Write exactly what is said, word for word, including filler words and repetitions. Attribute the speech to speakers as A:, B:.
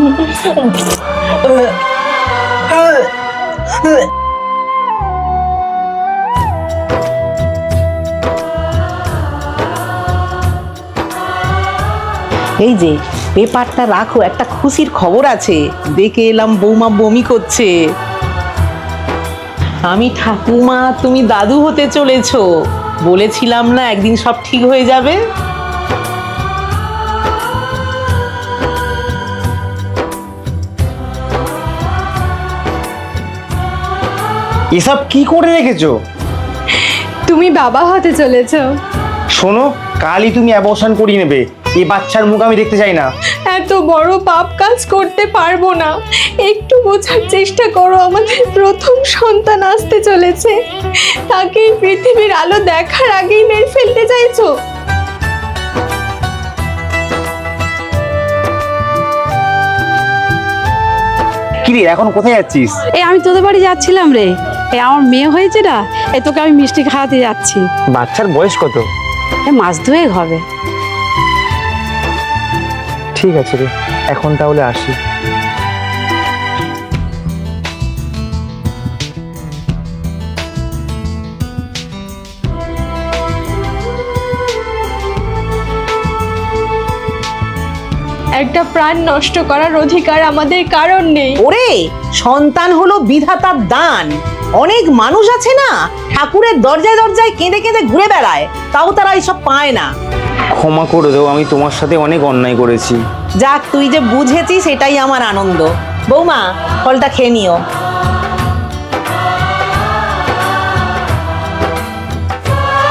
A: এই যে পেপারটা রাখো, একটা খুশির খবর আছে। দেখে এলাম বৌমা বমি করছে। আমি ঠাকুমা, তুমি দাদু হতে চলেছো। বলেছিলাম না একদিন সব ঠিক হয়ে যাবে।
B: এসব কি করে রেখেছো?
C: তুমি বাবা হতে চলেছো।
B: শোনো, কালই তুমি অ্যাবর্শন করিয়ে নেবে। এই বাচ্চার মুখ আমি দেখতে চাই না।
C: এত বড় পাপ কাজ করতে পারবো না। একটু বোঝার চেষ্টা করো, আমাদের প্রথম সন্তান আসতে চলেছে। তাকে এই পৃথিবীর আলো দেখার আগেই মেরে ফেলতে চাইছো?
B: কি রে, এখন কোথায় যাচ্ছিস?
D: এই আমি তোদের বাড়ি যাচ্ছিলাম রে। এই আমার মেয়ে হয়েছে না, এই তোকে আমি মিষ্টি খাওয়াতে যাচ্ছি।
B: বাচ্চার বয়স কত?
D: এই মাস দুয়েক হবে।
B: ঠিক আছে রে, এখন তাহলে আসি।
C: একটা প্রাণ নষ্ট করার অধিকার আমাদের কারণ নেই।
A: ওরে, সন্তান হলো বিধাতার দান। অনেক মানুষ আছে না, ঠাকুরের দরজায় দরজায় কেঁদে কেঁদে ঘুরে বেড়ায়, তাও তারা এইসব পায় না।
B: ক্ষমা করে দাও, আমি তোমার সাথে অনেক অন্যায় করেছি।
A: যাক, তুই যে বুঝেছিস সেটাই আমার আনন্দ। বৌমা, ফলটা খেয়ে নিও।